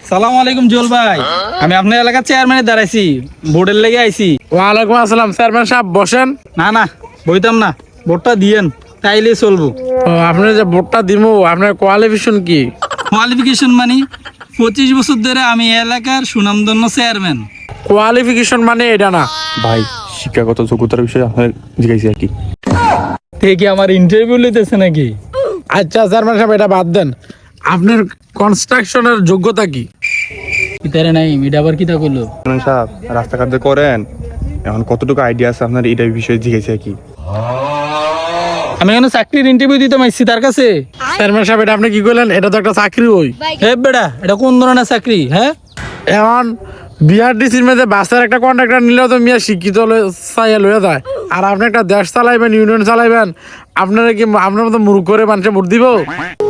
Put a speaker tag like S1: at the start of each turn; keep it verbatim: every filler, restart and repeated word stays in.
S1: সালাম আলাইকুম জুয়েল ভাই, আমি আপনার এলাকার চেয়ারম্যানে দাঁড়াইছি, ভোটের লেগে আইছি।
S2: ওয়ালাইকুম আসসালাম চেয়ারম্যান সাহেব, বসেন।
S1: না না, বইতাম না, ভোটটা দিয়েন, তাইলে চলবো।
S2: ও, আপনি যে ভোটটা দিব, আপনার কোয়ালিফিকেশন কি?
S1: কোয়ালিফিকেশন মানে পঁচিশ বছর ধরে আমি এলাকার সুনামধন্য চেয়ারম্যান।
S2: কোয়ালিফিকেশন মানে এটা না
S3: ভাই, শিক্ষাগত যোগ্যতার বিষয়ে আপনার জিজ্ঞাসি আর কি।
S1: থেকে আমার ইন্টারভিউ লইতেছে নাকি?
S2: আচ্ছা চেয়ারম্যান সাহেব, এটা বাদ দেন। আপনার কনস্ট্রাকশনের যোগ্যতা কি?
S1: কিতারে নাই, এটা আবার কিতা করলো?
S3: চেয়ারম্যান সাহেব, রাস্তাঘাট যে করেন, এখন কতটুকু আইডিয়া আছে আপনার এটা বিষয়ে জিজ্ঞাসি আর কি।
S1: আমি এখন চাকরির ইন্টারভিউ দিতে মাইছি তার কাছে।
S2: চেয়ারম্যান সাহেব, এটা আপনি কি করলেন? এটা তো একটা চাকরি। ওই
S1: হে বেড়া, এটা কোন ধরনের চাকরি? হ্যাঁ,
S2: এখন বিআরটিসির মধ্যে বাসের একটা কন্ট্রাক্টর নিলেও তো মিয়া শিক্ষিত চাইয়া লইয়া যায়। আর আপনি একটা দেশ চালাইবেন, ইউনিয়ন চালাইবেন, আপনারা কি আপনার মতো মুরুখ করে মানুষে ভোট দিব?